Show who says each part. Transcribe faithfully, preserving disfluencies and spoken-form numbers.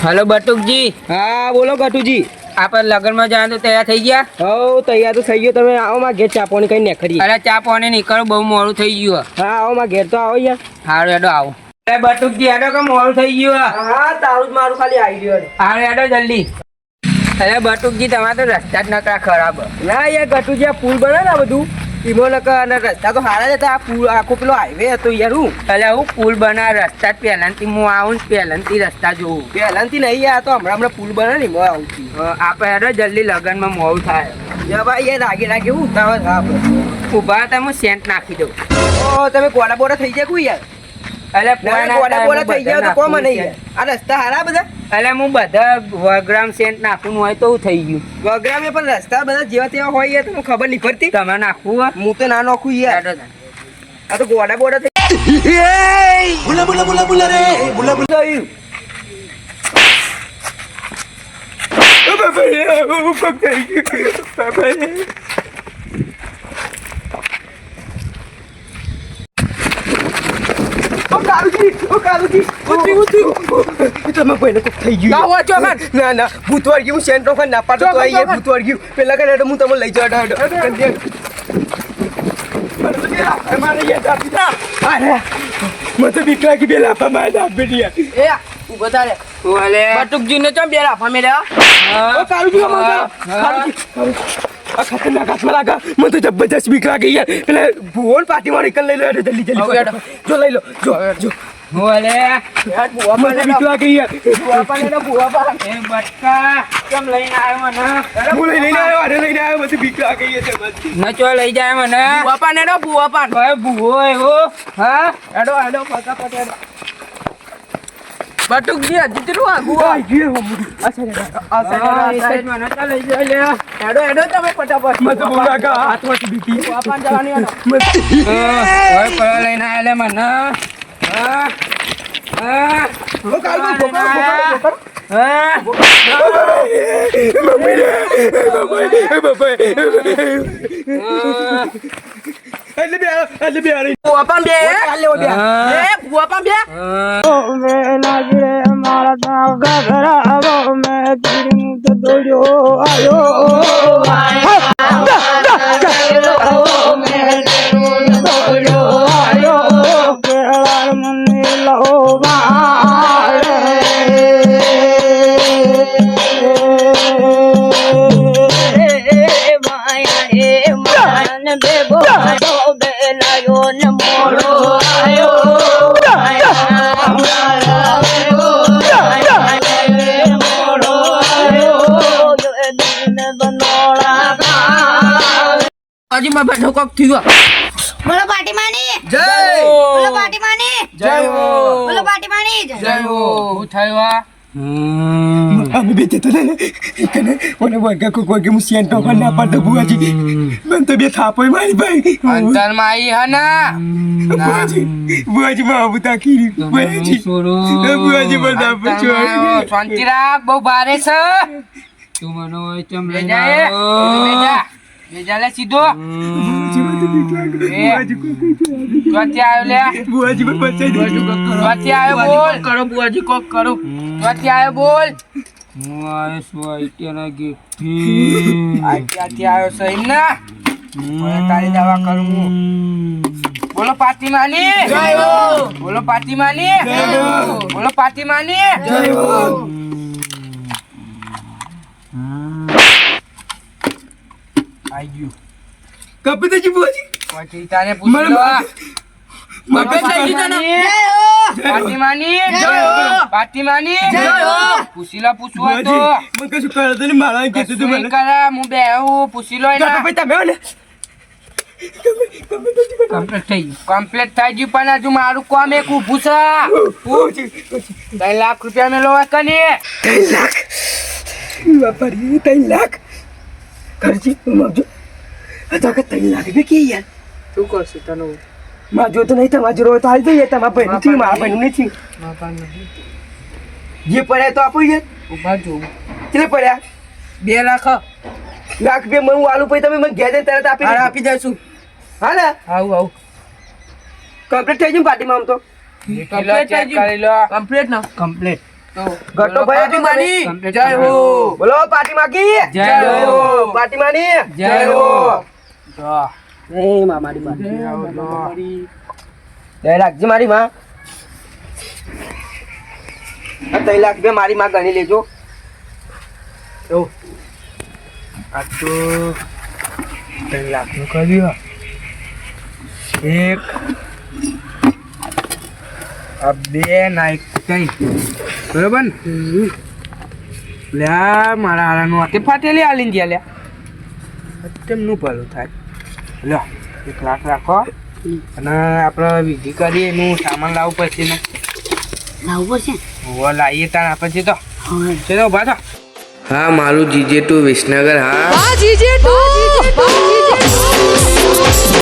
Speaker 1: Hello बटुकजी।
Speaker 2: हाँ बोलो गटूजी।
Speaker 1: आप लगन में जाए तो तैयार થઈ ગયા?
Speaker 2: હો તૈયાર તો થઈ ગયો. તમે આવો માં ઘેર ચા પાણી કઈ નીકળીએ.
Speaker 1: અરે ચા પાણી નીકળો, બહુ મોડું થઈ ગયું.
Speaker 2: હા આવો માં ઘેર તો આવો યાર.
Speaker 1: હારું હેડો આવો. અરે બટુકજી હેડો કે મોડું થઈ ગયું.
Speaker 2: હા તારું જ મારું ખાલી આવી ગયો.
Speaker 1: હારું હેડો જલ્દી. અરે બટુકજી તમારે તો રસ્તા જ નકરા ખરાબ.
Speaker 2: ના યાર ગટુજી આ પુલ બને ને બધું ઈમો નકર અને રસ્તા તો સારા જ હતા. આ પુલ આખો પેલો હાઈવે હતો યાર. હું
Speaker 1: એટલે હું પુલ બના રસ્તા પહેલાંથી હું આવું ને પહેલાંથી રસ્તા જોઉં.
Speaker 2: પહેલાંથી નહીં યાર તો હમણાં હમણાં પુલ બને ને એમાં આવું છું.
Speaker 1: આપણે હેડો જલ્દી લગનમાં મોડું થાય.
Speaker 2: યા ભાઈ યાર રાગે રાગે હું ઉતાવળ હા આપણે
Speaker 1: ઊભા હતા હું સેન્ટ નાખી દઉં.
Speaker 2: ઓ તમે ગોડા બોડા થઈ જાય કોઈ યાર.
Speaker 1: એટલે
Speaker 2: ગોડા બોડા થઈ જાય તો કોમ નહીં યાર. આ રસ્તા હારા બધા.
Speaker 1: એટલે હું બધા વગ્રામ સેન્ટ નાખવું હોય તો થઈ ગયું.
Speaker 2: વગ્રામે પણ રસ્તા બધા જેવા તેવા હોય યાર તમને ખબર નહીં પડતી.
Speaker 1: તમે નાખવું
Speaker 2: હું તો ના નાખું યાર. આ તો ગોડા બોડા થઈ
Speaker 3: बुला बुला बुला बुला रे बुला बुला
Speaker 2: ગયું. તમે કોઈને કોક થઈ ગયું.
Speaker 1: ના હોય ચોકન.
Speaker 2: ના ના ભૂતવાર ગયું સેન્ટ્રો ખાન ના પાડતો તો આઈએ ભૂતવાર ગયું. પેલા કરે હું તમને લઈ જાઉં. મારે યાદ આપી દા. અરે મને તો બીક લાગી. બે લાફા મારે આપી દે.
Speaker 1: એ ઉભો તારે ઓલે બટુકજી ને ચમ બે લાફા મેલ્યા.
Speaker 2: ઓ કારુજી કારુજી આ ખતરનાક હાથમાં લાગા. મને તો જબરજસ્ત બીક લાગી યાર. પેલા ભુવન પાર્ટી માં નીકળ લઈ લો જલ્દી જલ્દી. જો લઈ લો જો જો
Speaker 1: ઓલે
Speaker 2: મને બીક લાગી યાર.
Speaker 1: એ બટકા કેમ લઈને આવ્યો મને?
Speaker 2: હું લઈને આવ્યો અરે લઈને આવ્યો. મને બીક લાગી યાર.
Speaker 1: ન ચો લઈ જાય મને.
Speaker 2: બાપા ને બુઆપા
Speaker 1: ભાઈ ભૂવો એવો. હા
Speaker 2: હેડો હેડો ફટાફટ હેડો.
Speaker 1: બટુકજી હજી કેટલું આગું
Speaker 2: આ ગયો હું. અચ્છા આ સાઈડ
Speaker 1: મને તો લઈ જાય લે.
Speaker 2: હેડો હેડો તમે ફટાફટ. મને તો બહુ લાગા હાથમાંથી બીકી.
Speaker 1: બાપા જવાની હોય પર લઈને આયા લે મને. હા હા
Speaker 2: ઓ કારુજી પકડો પકડો પકડો.
Speaker 1: હા
Speaker 2: મમ્મી રે બાપા એટલે બે એટલે બે આરી
Speaker 1: બુઆપા બે
Speaker 2: ચાલ લેવો બે.
Speaker 1: એ બુઆપા બે
Speaker 4: મે લાગે મારા તા ઘરાવો મે તીર તો દોડ્યો આયો કેળાર મને બેબો બેલાયો ને મોડો આયો
Speaker 1: હજી માં બેઠો કોક થયો.
Speaker 5: બોલો પાટી માની
Speaker 2: જય
Speaker 5: બોલો પાટી માની
Speaker 2: જય હો
Speaker 5: બોલો પાટી માની
Speaker 1: જય હો હું થયો આ
Speaker 2: અમે બેતે તો ને કને ઓને વર્ગા કો કોઈ મુ સેન્ટ પર ના પાડતો બુઆજી. મને તો બે થાપોય મારી ભાઈ.
Speaker 1: અંતર માં આવી હના
Speaker 2: બુઆજી બુઆજી માં બુતા કી બુઆજી બુઆજી બધા પૂછો.
Speaker 1: શાંતિ રાખ, બહુ ભારે છે. તું મને ચમ લઈ જાય બેજા બેજા લે સીધો. ચોથી આવ્યો લે
Speaker 2: બુઆજી પર બચાઈ દે.
Speaker 1: ચોથી આવ્યો બોલ કરો બુઆજી કોક કરો. ચોથી આવ્યો બોલ. હું આવ્યો છું આઈટીના ગેટથી. આઈટીથી આવ્યો સહી ના મને તારી દવા કરું હું. બોલો પાતીમાની જય હો. બોલો પાતીમાની જય હો. બોલો પાતીમાની જય હો. આઈ ગયું
Speaker 2: કપી દેજી બુઆજી.
Speaker 1: પછી તારે પૂછી લો. મગજ લઈ લીધો ને. પાતીમાની જય હો. પાતીમાની જય હો. પૂછી લો પૂછવું હોય તો.
Speaker 2: મને કશું કરતો નહીં. મારા કીધું તું મને.
Speaker 1: કરે હું બે હું પૂછી લો એના.
Speaker 2: ભાઈ તમે ને
Speaker 1: કમ્પ્લીટ થઈ ગયું. કમ્પ્લીટ થઈ ગયું પણ હજુ મારું કામ એક ઊભું છે. ત્રણ લાખ રૂપિયા મેલો કની.
Speaker 2: ત્રણ લાખ વાપરી ત્રણ લાખ ખર્ચી માગજો. તો કે ત્રણ લાખ બે કે યાર
Speaker 1: શું કરશે તને?
Speaker 2: માં જો તો નહીં તમારા જોડે તો હાલ જઈએ. તમારા ભાઈ નથી મારા ભાઈ નથી. જે પડ્યા તો આપો યાર.
Speaker 1: ઉભા જોઉં
Speaker 2: કેટલે પડ્યા?
Speaker 1: બે લાખ
Speaker 2: લાખ બે મને આલુ પછી તમે મને ઘેર જઈને તરત આપી
Speaker 1: હારે
Speaker 2: દેજો.
Speaker 1: આપી દઈશું.
Speaker 2: હા ને
Speaker 1: આવું આવું
Speaker 2: કમ્પ્લીટ થઈ ગયું પાર્ટીમાં આમ તો.
Speaker 1: કમ્પ્લીટ કરી લો. કમ્પ્લીટ ના કમ્પ્લીટ
Speaker 2: ગટો ભાઈ હતું માની.
Speaker 1: જય હો
Speaker 2: બોલો પાટી માગી.
Speaker 1: જય હો
Speaker 2: પાટી માની.
Speaker 1: જય હો
Speaker 4: એ મારી બા
Speaker 2: દે રાખજે મારી માં. આ ત્રણ લાખ રૂપિયા મારી માં ગણી લેજો. જો આ તો ત્રણ લાખ નું કર્યું. એક આ બે ના એક ત્રણ બરોબર ને? લ્યા મારા હારાનું હાથે ફાટેલી આલીને ગયા લ્યા તેમનું ભલું થાય. લ્યો એક લાખ રાખો અને આપણે વિધિ કરીએ એનું સામાન લાવવું પડશે ને.
Speaker 5: લાવવું પડશે
Speaker 2: હોવા લાવીએ તાર આપણે તો
Speaker 5: હવે
Speaker 2: ચલો ઉભા થો.
Speaker 1: હા મારું જીજે ટુ વિસનગર હા
Speaker 6: Bajije tu, bajije tu.